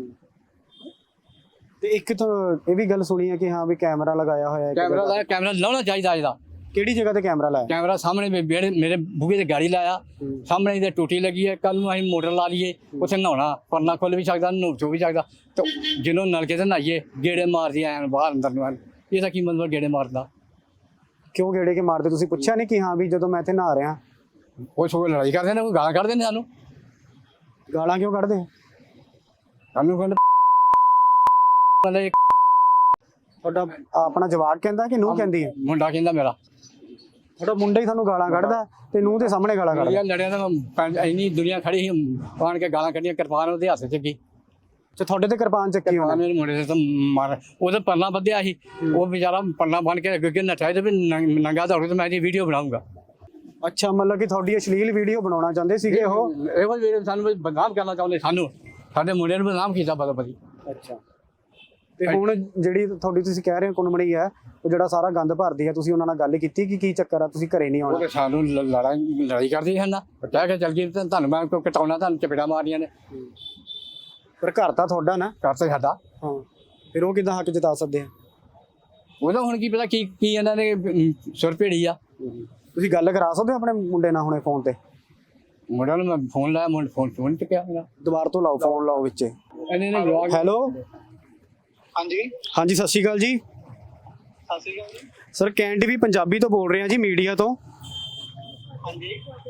ਤੇ ਇੱਕ ਤਾਂ ਇਹ ਵੀ ਗੱਲ ਸੁਣੀ ਹੈ ਕਿ ਹਾਂ ਵੀ ਕੈਮਰਾ ਲਗਾਇਆ ਹੋਇਆ ਹੈ ਇੱਕ ਜਗ੍ਹਾ।
ਕੈਮਰਾ ਲਾਉਣਾ ਚਾਹੀਦਾ ਇਹਦਾ।
ਕਿਹੜੀ ਜਗ੍ਹਾ ਤੇ ਕੈਮਰਾ ਲਾਇਆ?
ਕੈਮਰਾ ਸਾਹਮਣੇ ਮੇਰੇ ਬੂਹੇ ਤੇ ਗਾੜੀ ਲਾਇਆ, ਸਾਹਮਣੇ ਇਹਦੇ ਟੂਟੀ ਲੱਗੀ ਹੈ। ਕੱਲ ਨੂੰ ਅਸੀਂ ਮੋਟਰ ਲਾ ਲਈਏ, ਉੱਥੇ ਨਹਾਉਣਾ, ਪਰਨਾ ਖੁੱਲ ਵੀ ਸਕਦਾ, ਨੁਚੋ ਵੀ ਸਕਦਾ। ਤੇ ਜਿਹਨੂੰ ਨਲਕੇ ਤੇ ਨਹਾਈਏ ਗੇੜੇ ਮਾਰਦੀ ਆਣ ਬਾਹਰ ਅੰਦਰ ਨੂੰ, ਇਹਦਾ ਕੀ ਮਤਲਬ ਗੇੜੇ ਮਾਰਦਾ?
ਕਿਉਂ ਗੇੜੇ ਕੇ ਮਾਰਦੇ? ਤੁਸੀਂ ਪੁੱਛਿਆ ਨਹੀਂ ਕਿ ਹਾਂ ਵੀ ਜਦੋਂ ਮੈਂ ਇੱਥੇ ਨਹਾ ਰਿਹਾ?
ਉਹ ਸੋ ਲੜਾਈ ਕਰਦੇ ਨੇ, ਕੋਈ ਗਾਲਾਂ ਕੱਢਦੇ ਨੇ ਸਾਨੂੰ।
ਗਾਲਾਂ ਕਿਉਂ ਕੱਢਦੇ?
ਸਾਨੂੰ ਕਹਿੰਦੇ
ਤੁਹਾਡਾ ਆਪਣਾ ਜਵਾਕ ਕਹਿੰਦਾ ਕਿ ਨੂੰਹ ਕਹਿੰਦੀ ਹੈ?
ਮੁੰਡਾ ਕਹਿੰਦਾ ਮੇਰਾ।
ਤੁਹਾਡਾ ਮੁੰਡਾ ਹੀ ਤੁਹਾਨੂੰ ਗਾਲਾਂ ਕੱਢਦਾ ਤੇ ਨੂੰਹ ਦੇ ਸਾਹਮਣੇ ਗਾਲਾਂ ਕੱਢਦਾ?
ਲੜਿਆ ਤਾਂ ਇੰਨੀ ਦੁਨੀਆ ਖੜੀ ਸੀ, ਆਣ ਕੇ ਗਾਲਾਂ ਕੱਢੀਆਂ। ਕਿਰਪਾਨ ਉਹਦੇ ਹੱਥ 'ਚ ਕੀ,
ਤੇ ਤੁਹਾਡੇ ਤੇ ਕਿਰਪਾਨ ਚੱਕੀ ਹੋਣੀ?
ਮੇਰੇ ਮੁੰਡੇ ਦੇ ਤਾਂ ਮਾਰ, ਉਹਦੇ ਪਰਨਾ ਬੱਧਿਆ ਸੀ, ਉਹ ਵਿਚਾਰਾ ਪਰਨਾ ਬੰਨ ਕੇ ਅੱਗੇ ਨੱਠਾ ਤੇ ਵੀ ਨੰਗਾ ਦੌੜੇ। ਤੇ ਮੈਂ ਇਹਦੀ ਵੀਡੀਓ ਬਣਾਉਂਗਾ।
ਅੱਛਾ, ਮਤਲਬ ਕਿ ਤੁਹਾਡੀ ਅਸ਼ਲੀਲ ਵੀਡੀਓ ਬਣਾਉਣਾ ਚਾਹੁੰਦੇ ਸੀਗੇ ਉਹ?
ਇਹੋ ਵੀਡੀਓ ਸਾਨੂੰ ਬਦਨਾਮ ਕਰਨਾ ਚਾਹੁੰਦੇ, ਸਾਨੂੰ ਸਾਡੇ ਮੁੰਡੇ ਨੂੰ ਬਦਨਾਮ ਕੀਤਾ ਬਦੀ।
ਅੱਛਾ, ਤੇ ਹੁਣ ਜਿਹੜੀ ਤੁਹਾਡੀ ਤੁਸੀਂ ਕਹਿ ਰਹੇ ਹੋ ਕੁੰਮੜੀ ਹੈ, ਉਹ ਜਿਹੜਾ ਸਾਰਾ ਗੰਦ ਭਰਦੀ ਹੈ, ਤੁਸੀਂ ਉਹਨਾਂ ਨਾਲ ਗੱਲ ਕੀਤੀ ਕਿ ਕੀ ਚੱਕਰ ਆ, ਤੁਸੀਂ ਘਰੇ ਨਹੀਂ
ਉਹ
ਆਉਣਾ?
ਤੇ ਸਾਨੂੰ ਲੜਾਈ ਕਰਦੀ ਹਨ ਨਾ, ਕਹਿ ਕੇ ਚੱਲ ਗਈ ਤੁਹਾਨੂੰ ਮੈਂ ਕੋਈ ਕਟਾਉਣਾ, ਤੁਹਾਨੂੰ ਚਪੇੜਾ ਮਾਰਨੀਆਂ ਨੇ।
ਪਰ ਘਰ ਤਾਂ ਤੁਹਾਡਾ ਨਾ?
ਘਰ ਤੇ ਸਾਡਾ।
ਹਾਂ, ਫਿਰ ਉਹ ਕਿੱਦਾਂ ਹੱਕ ਜਤਾ ਸਕਦੇ ਆ?
ਉਹਦਾ ਹੁਣ ਕੀ ਪਤਾ ਕੀ ਇਹਨਾਂ ਨੇ ਸੁਰ ਭੇੜੀ ਆ।
ਤੁਸੀਂ ਗੱਲ ਕਰਾ ਸਕਦੇ ਹੋ ਆਪਣੇ ਮੁੰਡੇ ਨਾਲ ਹੁਣੇ ਫੋਨ ਤੇ?
ਮੁੰਡਿਆਂ ਨੂੰ ਮੈਂ ਫੋਨ ਲਾਇਆ, ਫੋਨ ਚੁੱਕਿਆ ਮੇਰਾ।
ਦੁਬਾਰਾ ਤੋਂ ਲਾਓ, ਫੋਨ ਲਾਓ ਵਿੱਚ।
ਇਹਨੇ ਨੇ ਜਵਾਬ।
ਹੈਲੋ,
ਹਾਂਜੀ
ਹਾਂਜੀ, ਸਤਿ ਸ਼੍ਰੀ ਅਕਾਲ ਜੀ।
ਸਤਿ ਸ਼੍ਰੀ ਅਕਾਲ ਜੀ।
ਸਰ ਕੈਨ ਟੀਵੀ ਪੰਜਾਬੀ ਤੋਂ ਬੋਲ ਰਹੇ ਹਾਂ ਜੀ, ਮੀਡੀਆ ਤੋਂ।
ਹਾਂਜੀ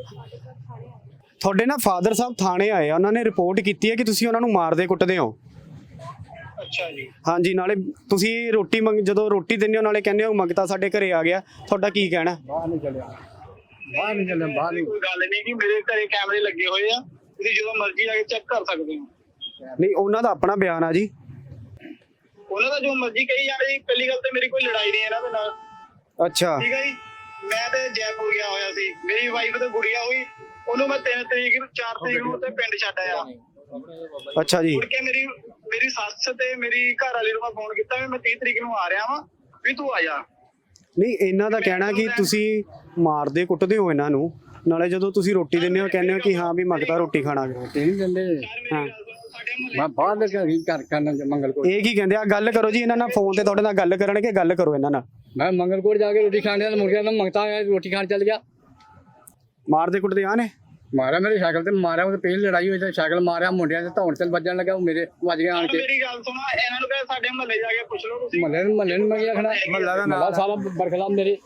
ਤੁਹਾਡੇ ਨਾ ਫਾਦਰ ਸਾਹਿਬ ਥਾਣੇ ਆਏ ਆ, ਉਹਨਾਂ ਨੇ ਰਿਪੋਰਟ ਕੀਤੀ ਹੈ ਕਿ ਤੁਸੀਂ ਉਹਨਾਂ ਨੂੰ ਮਾਰਦੇ ਕੁੱਟਦੇ ਹੋ।
ਅੱਛਾ ਜੀ।
ਹਾਂਜੀ, ਨਾਲੇ ਤੁਸੀਂ ਰੋਟੀ ਜਦੋਂ ਰੋਟੀ ਦਿੰਦੇ ਹੋ ਨਾਲੇ ਕਹਿੰਦੇ ਹੋ ਮੰਗਤਾ ਸਾਡੇ ਘਰੇ ਆ ਗਿਆ, ਤੁਹਾਡਾ ਕੀ ਕਹਿਣਾ?
ਬਾਹਰ ਨਹੀਂ ਚੱਲਿਆ, ਬਾਹਰ ਨਹੀਂ ਚੱਲਿਆ, ਬਾਹਰ ਨਹੀਂ।
ਕੋਈ ਗੱਲ ਨਹੀਂ ਕਿ ਮੇਰੇ ਘਰੇ ਕੈਮਰੇ ਲੱਗੇ ਹੋਏ ਆ, ਤੁਸੀਂ ਜਦੋਂ ਮਰਜ਼ੀ ਆ ਕੇ ਚੈੱਕ ਕਰ ਸਕਦੇ ਹੋ।
ਨਹੀਂ, ਉਹਨਾਂ ਦਾ ਆਪਣਾ ਬਿਆਨ ਆ ਜੀ।
ਉਹਨਾਂ ਦਾ ਜੋ ਮਰਜ਼ੀ ਕਹੀ ਜਾਵੇ ਜੀ। ਪਹਿਲੀ ਗੱਲ ਤੇ ਮੇਰੀ ਕੋਈ ਲੜਾਈ ਨਹੀਂ ਇਹਨਾਂ ਦੇ ਨਾਲ।
ਅੱਛਾ,
ਠੀਕ ਹੈ ਜੀ। ਮੈਂ ਤੇ ਜੈਪੁਰ ਗਿਆ ਹੋਇਆ ਸੀ, ਮੇਰੀ ਵਾਈਫ ਤੇ ਗੁੜੀਆ ਹੋਈ, ਉਹਨੂੰ ਮੈਂ 3 ਤਰੀਕ ਨੂੰ 4 ਤਰੀਕ ਨੂੰ ਤੇ ਪਿੰਡ ਛੱਡ ਆਇਆ।
ਅੱਛਾ ਜੀ।
ਮੁੜ ਕੇ ਮੇਰੀ ਸੱਸ ਤੇ ਮੇਰੀ ਘਰ ਵਾਲੀ ਨੂੰ ਮੈਂ ਫੋਨ ਕੀਤਾ ਵੀ ਮੈਂ 30 ਤਰੀਕ ਨੂੰ ਆ ਰਿਹਾ ਵਾਂ, ਵੀ ਤੂੰ ਆ ਜਾ।
ਨਹੀਂ, ਇਹਨਾਂ ਦਾ ਕਹਿਣਾ ਕਿ ਤੁਸੀਂ ਮਾਰਦੇ ਕੁੱਟਦੇ ਹੋ ਇਹਨਾਂ ਨੂੰ, ਨਾਲੇ ਜਦੋਂ ਤੁਸੀਂ ਰੋਟੀ ਦਿੰਦੇ ਹੋ ਕਹਿੰਦੇ ਹੋ ਕਿ ਹਾਂ ਵੀ ਮੰਗਤਾ ਰੋਟੀ ਖਾਣਾ।
ਨਹੀਂ ਦਿੰਦੇ।
ਹਾਂ,
ਸਾਡੇ ਮੁਹੱਲੇ
ਮੈਂ ਬਾਹਰ ਦੇ ਘਰ ਕਰਨਾ ਮੰਗਲਕੋਟ।
ਇਹ ਕੀ ਕਹਿੰਦੇ ਆ? ਗੱਲ ਕਰੋ ਜੀ ਇਹਨਾਂ ਨਾਲ, ਫੋਨ ਤੇ ਤੁਹਾਡੇ ਨਾਲ ਗੱਲ ਕਰਨਗੇ, ਗੱਲ ਕਰੋ ਇਹਨਾਂ ਨਾਲ।
ਮੈਂ ਮੰਗਲਕੋਟ ਜਾ ਕੇ ਰੋਟੀ ਖਾਣ ਦਾ ਮੁਰਗਿਆਂ ਦਾ ਮੰਗਤਾ ਆਇਆ, ਰੋਟੀ ਖਾਣ ਚੱਲ ਗਿਆ।
ਮਾਰਦੇ ਕੁੱਟਦੇ ਆ ਨੇ?
ਮਾਰਿਆ ਮੇਰੇ ਸਾਈਕਲ ਤੇ ਮਾਰਿਆ, ਉਹ ਪਹਿਲੀ ਲੜਾਈ ਹੋਈ ਤੇ ਸਾਈਕਲ ਮਾਰਿਆ, ਮੁੰਡਿਆਂ ਦੇ ਧੌਣ ਚੱਲ ਵੱਜਣ ਲੱਗਾ, ਉਹ ਮੇਰੇ ਵੱਜ ਗਿਆ ਆਣ ਕੇ।
ਮੇਰੀ ਗੱਲ ਸੁਣੋ, ਇਹਨਾਂ ਨੂੰ ਕਹੇ ਸਾਡੇ ਮੁਹੱਲੇ ਜਾ ਕੇ ਪੁੱਛ ਲਓ ਤੁਸੀਂ।
ਮਹੱਲੇ ਨੂੰ ਮੈਂ ਕੀ ਆਖਣਾ, ਮਹੱਲਾ ਸਾਰਾ ਬਰਖਲਾਫ ਮੇਰੇ।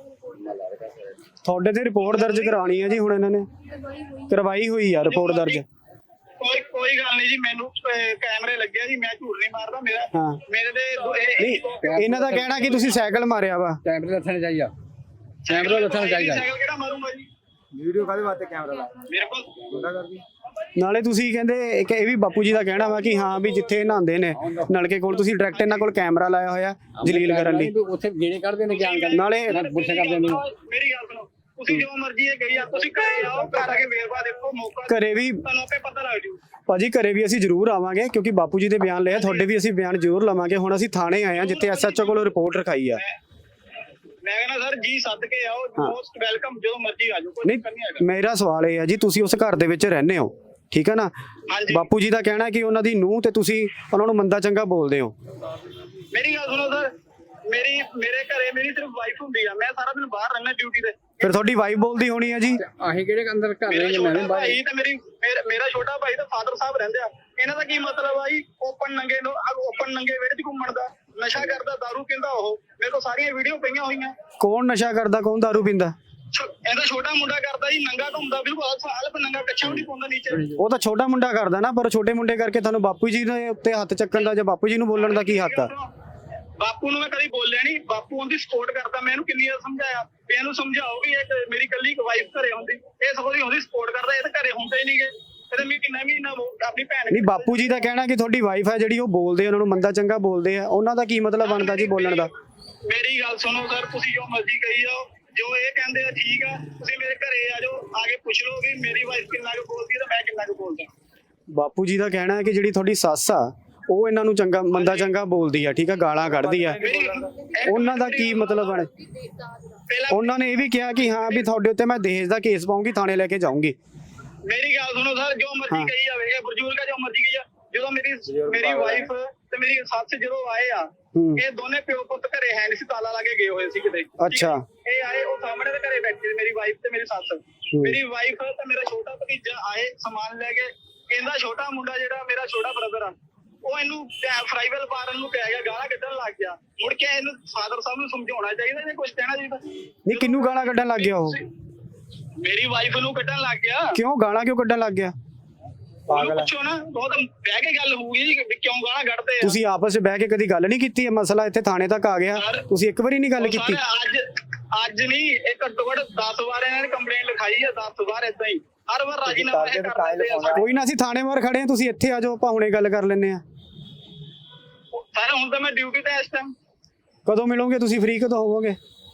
ਤੁਹਾਡੇ ਤੇ ਰਿਪੋਰਟ ਦਰਜ ਕਰਾਉਣੀ ਹੈ ਜੀ ਹੁਣ ਇਹਨਾਂ ਨੇ? ਕਰਵਾਈ ਹੋਈ ਆ ਰਿਪੋਰਟ ਦਰਜ?
ਕੋਈ ਗੱਲ ਨਹੀਂ ਜੀ, ਮੈਨੂੰ ਕੈਮਰੇ ਲੱਗੇ ਆ ਜੀ, ਮੈਂ ਝੂਠ ਨਹੀਂ ਮਾਰਦਾ।
ਹਾਂ।
ਮੇਰੇ ਤੇ
ਨਹੀਂ, ਇਹਨਾਂ ਦਾ ਕਹਿਣਾ ਕਿ ਤੁਸੀਂ ਸਾਈਕਲ ਮਾਰਿਆ ਵਾ।
ਕੈਮਰੇ ਰੱਖਣੇ ਚਾਹੀਦਾ, ਕੈਮਰਾ ਰੱਖਣਾ ਚਾਹੀਦਾ।
ਸਾਈਕਲ ਕਿਹੜਾ ਮਾਰੂੰਗਾ ਜੀ?
ਵੀਡੀਓ ਕਾਹਦੇ ਵਾਸਤੇ ਕੈਮਰਾ ਲਾ?
ਮੇਰੇ ਕੋਲ
ਨਾਲੇ ਤੁਸੀਂ ਕਹਿੰਦੇ ਇਹ ਵੀ ਬਾਪੂ ਜੀ ਦਾ ਕਹਿਣਾ ਵਾ ਕਿ ਹਾਂ ਵੀ ਜਿੱਥੇ ਨਹਾਉਂਦੇ ਨੇ ਨਲਕੇ ਕੋਲ ਤੁਸੀਂ ਡਾਇਰੈਕਟ ਇਹਨਾਂ ਕੋਲ ਕੈਮਰਾ ਲਾਇਆ ਹੋਇਆ ਜਲੀਲ ਕਰਨ ਲਈ।
ਉੱਥੇ ਗੇੜੇ ਕੱਢਦੇ ਨੇ ਗਿਆਨ ਕਰਨ,
ਨਾਲੇ
ਗੁੱਸੇ ਕਰਦੇ ਨੇ।
ਮੇਰੀ ਗੱਲ ਸੁਣੋ, ਤੁਸੀਂ ਜੋ ਮਰਜ਼ੀ ਇਹ ਕਹੀ ਆ, ਤੁਸੀਂ ਘਰੇ ਆਓ, ਘਰ ਆ ਕੇ ਵੇਰਵਾ ਦੇਖੋ, ਮੌਕਾ
ਘਰੇ ਵੀ
ਤੁਹਾਨੂੰ ਆਪੇ ਪਤਾ ਲੱਗ ਜੂ।
ਭਾਜੀ, ਘਰੇ ਵੀ ਅਸੀਂ ਜ਼ਰੂਰ ਆਵਾਂਗੇ ਕਿਉਂਕਿ ਬਾਪੂ ਜੀ ਦੇ ਬਿਆਨ ਲਏ, ਤੁਹਾਡੇ ਵੀ ਅਸੀਂ ਬਿਆਨ ਜ਼ਰੂਰ ਲਵਾਂਗੇ। ਹੁਣ ਅਸੀਂ ਥਾਣੇ ਆਏ ਆ ਜਿੱਥੇ SHO ਕੋਲ ਰਿਪੋਰਟ ਰਖਾਈ ਆ।
ਮੈਂ ਕਹਿੰਦਾ ਸਰ ਜੀ ਸੱਦ ਕੇ ਆਓ, ਮੋਸਟ ਵੈਲਕਮ, ਜਦੋਂ ਮਰਜ਼ੀ ਆ ਜਾਓ, ਕੋਈ
ਨਹੀਂ,
ਚੱਕਰ ਨਹੀਂ ਹੈਗਾ।
ਮੇਰਾ ਸਵਾਲ ਇਹ ਆ ਜੀ, ਤੁਸੀਂ ਉਸ ਘਰ ਦੇ ਵਿੱਚ ਰਹਿੰਦੇ ਹੋ, ਠੀਕ ਹੈ ਨਾ?
ਹਾਂਜੀ।
ਬਾਪੂ ਜੀ ਦਾ ਕਹਿਣਾ ਕਿ ਉਹਨਾਂ ਦੀ ਨੂੰਹ ਤੇ ਤੁਸੀਂ ਉਹਨਾਂ ਨੂੰ ਮੰਦਾ ਚੰਗਾ ਬੋਲਦੇ ਹੋ।
ਮੇਰੀ ਗੱਲ ਸੁਣੋ ਸਰ, ਮੇਰੇ ਘਰੇ ਮੇਰੀ ਸਿਰਫ ਵਾਈਫ ਹੁੰਦੀ ਆ, ਮੈਂ ਸਾਰਾ ਦਿਨ ਬਾਹਰ ਰਹਿਣਾ ਡਿਊਟੀ ਤੇ।
ਫਿਰ ਤੁਹਾਡੀ ਵਾਈਫ ਬੋਲਦੀ ਹੋਣੀ ਹੈ ਜੀ।
ਅਸੀਂ ਕਿਹੜੇ ਅੰਦਰ ਘਰ
ਮੇਰਾ
ਰਹਿੰਦੇ, ਮੈਂ
ਛੋਟਾ
ਵੀ ਬਾਹਰ।
ਭਾਈ ਤੇ ਮੇਰਾ ਛੋਟਾ ਭਾਈ ਤੇ ਫਾਦਰ ਸਾਹਿਬ ਰਹਿੰਦੇ ਆ। ਇਹਨਾਂ ਦਾ ਕੀ ਮਤਲਬ ਆ ਜੀ ਓਪਨ ਨੰਗੇ ਵਿਹੜੇ 'ਚ ਘੁੰਮਣ ਦਾ? ਨਸ਼ਾ ਕਰਦਾ, ਦਾਰੂ ਪੀਂਦਾ ਉਹ। ਮੇਰੇ ਕੋਲ ਸਾਰੀਆਂ ਵੀਡੀਓ ਪਈਆਂ ਹੋਈਆਂ।
ਕੌਣ ਨਸ਼ਾ ਕਰਦਾ, ਕੌਣ ਦਾਰੂ ਪੀਂਦਾ?
ਇਹਦਾ ਛੋਟਾ ਮੁੰਡਾ ਕਰਦਾ ਜੀ, ਨੰਗਾ ਘੁੰਮਦਾ, ਬਿਲਕੁਲ ਹਾਲਪ ਨੰਗਾ, ਕੱਛਾ ਵੀ ਨਹੀਂ ਪਾਉਂਦਾ ਨੀਚੇ।
ਉਹ ਤਾਂ ਛੋਟਾ ਮੁੰਡਾ ਕਰਦਾ ਨਾ, ਪਰ ਛੋਟੇ ਮੁੰਡੇ ਕਰਕੇ ਤੁਹਾਨੂੰ ਬਾਪੂ ਜੀ ਦੇ ਉੱਤੇ ਹੱਥ ਚੱਕਣ ਦਾ ਜਾਂ ਬਾਪੂ ਜੀ ਨੂੰ ਬੋਲਣ ਦਾ ਕੀ ਹੱਕ ਆ?
ਬਾਪੂ ਨੂੰ ਮੈਂ ਕਦੀ ਬੋਲਿਆ ਨਹੀਂ। ਬਾਪੂ ਉਹਦੀ ਸਪੋਰਟ ਕਰਦਾ। ਮੈਂ ਇਹਨੂੰ ਕਿੰਨੀ ਵਾਰ ਸਮਝਾਇਆ ਵੀ ਇਹਨੂੰ ਸਮਝਾਓ ਵੀ ਇਹ ਮੇਰੀ ਕੱਲੀ ਇੱਕ ਵਾਈਫ ਘਰੇ ਹੁੰਦੀ, ਇਹ ਸਗੋਂ ਦੀ ਉਹਦੀ ਸਪੋਰਟ ਕਰਦਾ। ਇਹ ਤਾਂ ਘਰੇ ਹੁੰਦਾ ਹੀ ਨਹੀਂ ਗੇ। ਇਹਦੇ ਮਹੀਨਾ ਆਪਣੀ ਭੈਣ
ਨਹੀਂ, ਬਾਪੂ ਜੀ ਦਾ ਕਹਿਣਾ ਕਿ ਤੁਹਾਡੀ ਵਾਈਫ ਹੈ ਜਿਹੜੀ ਉਹ ਬੋਲਦੇ, ਉਹਨਾਂ ਨੂੰ ਮੰਦਾ ਚੰਗਾ ਬੋਲਦੇ ਆ, ਉਹਨਾਂ ਦਾ ਕੀ ਮਤਲਬ ਬਣਦਾ ਜੀ ਬੋਲਣ ਦਾ?
ਮੇਰੀ ਗੱਲ ਸੁਣੋ ਸਰ, ਤੁਸੀਂ ਜੋ ਮਰਜ਼ੀ ਕਹੀ ਜਾਓ, ਜੋ ਇਹ ਕਹਿੰਦੇ ਆ ਠੀਕ ਆ। ਤੁਸੀਂ ਮੇਰੇ ਘਰੇ ਆ ਜਾਓ, ਆ ਕੇ ਪੁੱਛ ਲਓ ਵੀ ਮੇਰੀ ਵਾਈਫ ਕਿੰਨਾ ਕੁ ਬੋਲਦੀ ਹੈ ਤੇ ਮੈਂ ਕਿੰਨਾ ਕੁ ਬੋਲਦਾ।
ਬਾਪੂ ਜੀ ਦਾ ਕਹਿਣਾ ਹੈ ਕਿ ਜਿਹੜੀ ਤੁਹਾਡੀ ਸੱਸ ਆ ਉਹ ਇਹਨਾਂ ਨੂੰ ਚੰਗਾ ਮੰਦਾ ਚੰਗਾ ਬੋਲਦੀ ਆ, ਠੀਕ ਆ, ਗਾਲਾਂ ਕੱਢਦੀ ਆ। ਉਹਨਾਂ ਦਾ ਕੀ ਮਤਲਬ ਬਣ? ਉਹਨਾਂ ਨੇ ਇਹ ਵੀ ਕਿਹਾ ਕਿ ਹਾਂ ਵੀ ਤੁਹਾਡੇ ਉੱਤੇ ਮੈਂ ਦਹੇਜ ਦਾ ਕੇਸ ਪਾਉਂਗੀ, ਥਾਣੇ ਲੈ ਕੇ ਜਾਊਂਗੀ।
ਮੇਰੀ ਗੱਲ ਸੁਣੋ ਸਰ, ਜੋ ਮਰਜ਼ੀ ਕਹੀ ਜਾਵੇ, ਇਹ ਬਜ਼ੁਰਗ ਆ, ਜੋ ਮਰਜ਼ੀ ਕਹੀ ਜਾ। ਜਦੋਂ ਮੇਰੀ ਵਾਈਫ ਤੇ ਮੇਰੀ ਸੱਸ ਜਦੋਂ ਆਏ ਆ, ਇਹ ਦੋਨੇ ਪਿਓ ਪੁੱਤ ਘਰੇ ਹੈ ਨਹੀਂ ਸੀ, ਤਾਲਾ ਲਾ ਕੇ ਗਏ ਹੋਏ ਸੀ ਕਿਤੇ।
ਅੱਛਾ।
ਇਹ ਆਏ, ਉਹ ਸਾਹਮਣੇ ਦੇ ਘਰੇ ਬੈਠੇ, ਮੇਰੀ ਵਾਈਫ ਤੇ ਮੇਰੀ ਸੱਸ। ਮੇਰੀ ਵਾਈਫ ਤੇ ਮੇਰਾ ਛੋਟਾ ਭਤੀਜਾ ਆਏ ਸਮਾਨ ਲੈ ਕੇ। ਇਹਦਾ ਛੋਟਾ ਮੁੰਡਾ ਜਿਹੜਾ ਮੇਰਾ ਛੋਟਾ ਬ੍ਰਦਰ ਆ, ਉਹ ਇਹਨੂੰ ਫਰਾਈਵਲ ਮਾਰਨ ਨੂੰ ਪੈ ਗਿਆ, ਗਾਲਾਂ ਕੱਢਣ ਲੱਗ ਗਿਆ। ਮੁੜ ਕੇ ਇਹਨੂੰ ਫਾਦਰ ਸਾਹਿਬ ਨੂੰ ਸਮਝਾਉਣਾ ਚਾਹੀਦਾ ਜਾਂ ਕੁਝ ਕਹਿਣਾ ਚਾਹੀਦਾ?
ਨਹੀਂ, ਕਿਹਨੂੰ ਗਾਲਾਂ ਕੱਢਣ ਲੱਗ ਗਿਆ ਉਹ?
ਮੇਰੀ ਵਾਈਫ ਨੂੰ ਕੱਢਣ ਲੱਗ ਗਿਆ।
ਕਿਉਂ ਗਾਲਾਂ ਕਿਉਂ ਕੱਢਣ ਲੱਗ ਗਿਆ?
ਉਹਨੂੰ ਪੁੱਛੋ ਨਾ, ਬਹੁਤ ਬਹਿ ਕੇ ਗੱਲ ਹੋਊਗੀ ਜੀ ਵੀ ਕਿਉਂ ਗਾਲਾਂ ਕੱਢਦੇ ਆ।
ਤੁਸੀਂ ਆਪਸ ਵਿੱਚ ਬਹਿ ਕੇ ਕਦੀ ਗੱਲ ਨਹੀਂ ਕੀਤੀ? ਇਹ ਮਸਲਾ ਇੱਥੇ ਥਾਣੇ ਤੱਕ ਆ ਗਿਆ, ਤੁਸੀਂ ਇੱਕ ਵਾਰੀ ਨਹੀਂ ਗੱਲ ਕੀਤੀ?
ਅੱਜ ਨਹੀਂ, ਇਹ ਘੱਟੋ ਘੱਟ 10 ਵਾਰ ਇਹਨਾਂ ਨੇ ਕੰਪਲੇਂਟ ਲਿਖਾਈ ਆ, 10 ਵਾਰ ਏਦਾਂ ਹੀ ਹਰ ਵਾਰ ਰਾਜੀਨਾਮਾ ਇਹ ਕਰਦੇ ਆ।
ਕੋਈ ਨਾ, ਅਸੀਂ ਥਾਣੇ ਬਾਹਰ ਖੜੇ ਆ, ਤੁਸੀਂ ਇੱਥੇ ਆ ਜਾਓ, ਆਪਾਂ ਹੁਣੇ ਗੱਲ ਕਰ ਲੈਂਦੇ ਆ।
ਸਰ ਹੁਣ ਤਾਂ ਮੈਂ ਡਿਊਟੀ ਤੇ ਇਸ ਟਾਈਮ।
ਕਦੋਂ ਮਿਲੋਗੇ ਤੁਸੀਂ? ਫ੍ਰੀ ਕਦੋਂ ਹੋਵੋਗੇ?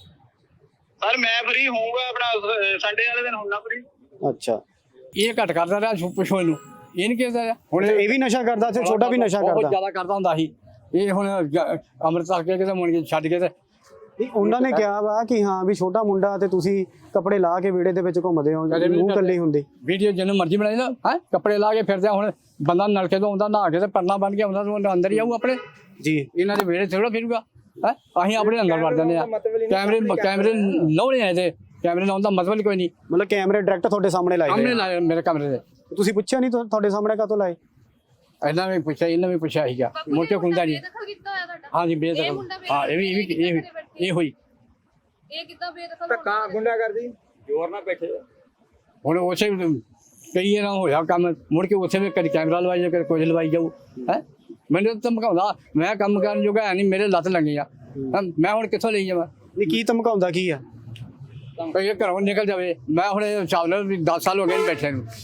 ਸਰ ਮੈਂ ਫ੍ਰੀ ਹੋਊਗਾ ਆਪਣਾ ਸੰਡੇ ਵਾਲੇ ਦਿਨ ਹੁੰਦਾ ਫ੍ਰੀ।
ਅੱਛਾ।
ਇਹ ਘੱਟ ਕਰਦਾ ਰਿਹਾ, ਪੁੱਛੋ ਇਹਨੂੰ। ਇਹ ਨਹੀਂ ਕਹਿੰਦਾ
ਹੁਣ ਇਹ ਵੀ ਨਸ਼ਾ ਕਰਦਾ ਤੇ ਛੋਟਾ ਵੀ ਨਸ਼ਾ
ਬਹੁਤ
ਕਰਦਾ?
ਜ਼ਿਆਦਾ ਕਰਦਾ ਹੁੰਦਾ ਸੀ। ਇਹ ਹੁਣ ਅੰਮ੍ਰਿਤਸਰ ਕੇ ਕਿਤੇ ਮੁੜ ਕੇ ਛੱਡ ਕੇ ਤੇ
ਉਹਨਾਂ ਨੇ ਕਿਹਾ ਵਾ ਕਿ ਹਾਂ ਵੀ ਛੋਟਾ ਮੁੰਡਾ ਤੇ ਤੁਸੀਂ ਕੱਪੜੇ ਲਾ ਕੇ ਵਿਹੜੇ ਦੇ ਵਿੱਚ ਘੁੰਮਦੇ ਹੋ, ਮੂੰਹ ਕੱਲੀ ਹੁੰਦੀ।
ਵੀਡੀਓ ਜਿਹਨੂੰ ਮਰਜ਼ੀ ਬਣਾਈ ਨਾ, ਹੈ ਕੱਪੜੇ ਲਾ ਕੇ ਫਿਰਦੇ। ਹੁਣ ਬੰਦਾ ਨਲਕੇ ਤੋਂ ਆਉਂਦਾ, ਨਹਾ ਕੇ ਤੇ ਪਰਨਾ ਬਣ ਕੇ ਆਉਂਦਾ, ਤਾਂ ਅੰਦਰ ਹੀ ਆਊ ਆਪਣੇ
ਜੀ।
ਇਹਨਾਂ ਦੇ ਵਿਹੜੇ ਥੋੜਾ ਫਿਰੂਗਾ। ਹੈ ਅਸੀਂ ਆਪਣੇ ਅੰਦਰ ਵੜ ਜਾਂਦੇ ਆ। ਕੈਮਰੇ ਲਾਉਣੇ ਆ, ਇਹਦੇ ਕੈਮਰੇ ਲਾਉਣ ਦਾ ਮਤਲਬ ਕੋਈ ਨਹੀਂ।
ਮਤਲਬ ਕੈਮਰੇ ਡਾਇਰੈਕਟ ਤੁਹਾਡੇ ਸਾਹਮਣੇ ਲਾਏ
ਸਾਹਮਣੇ
ਹੋਏ ਆ?
ਲਾਏ ਮੇਰੇ ਕਮਰੇ ਦੇ।
ਤੁਸੀਂ ਪੁੱਛਿਆ ਨਹੀਂ ਤੁਹਾਡੇ ਸਾਹਮਣੇ ਕਾਹਤੋਂ ਲਾਏ?
ਇਹਨਾਂ ਨੇ ਪੁੱਛਿਆ, ਇਹਨਾਂ ਵੀ ਪੁੱਛਿਆ ਸੀਗਾ, ਮੁੜ ਕੇ ਖੁੰਦਾ ਨਹੀਂ। ਹਾਂ ਜੀ, ਬੇਦਖਲ। ਹਾਂ, ਇਹ ਹੋਈ।
ਇਹ ਕਿੱਦਾਂ ਬੇਦਖਲ
ਧੱਕਾ ਗੁੰਡਾ ਕਰਦੀ ਜ਼ੋਰ ਨਾਲ ਬੈਠੇ।
ਹੁਣ ਉਸੇ ਕਈ ਨਾ ਹੋਇਆ ਕੰਮ, ਮੁੜ ਕੇ ਉਸੇ ਵੀ ਕਦੇ ਕੈਮਰਾ ਲਵਾਈ ਜਾਓ, ਕਦੇ ਕੁਝ ਲਵਾਈ ਜਾਊ। ਹੈ ਮੈਨੂੰ ਤਾਂ ਧਮਕਾਉਂਦਾ, ਮੈਂ ਕੰਮ ਕਰਨ ਜੋਗਾ ਹੈ ਨਹੀਂ, ਮੇਰੇ ਲੱਤ ਲੱਗੇ ਆ। ਮੈਂ ਹੁਣ ਕਿੱਥੋਂ ਲਈ ਜਾਵਾਂ?
ਨਹੀਂ, ਕੀ ਧਮਕਾਉਂਦਾ ਕੀ ਆ?
ਇਹ ਘਰੋਂ ਨਿਕਲ ਜਾਵੇ। ਮੈਂ ਹੁਣ ਹਿਸਾਬ ਨਾਲ 10 ਸਾਲ ਹੋ ਗਏ ਨੇ ਬੈਠੇ ਨੂੰ।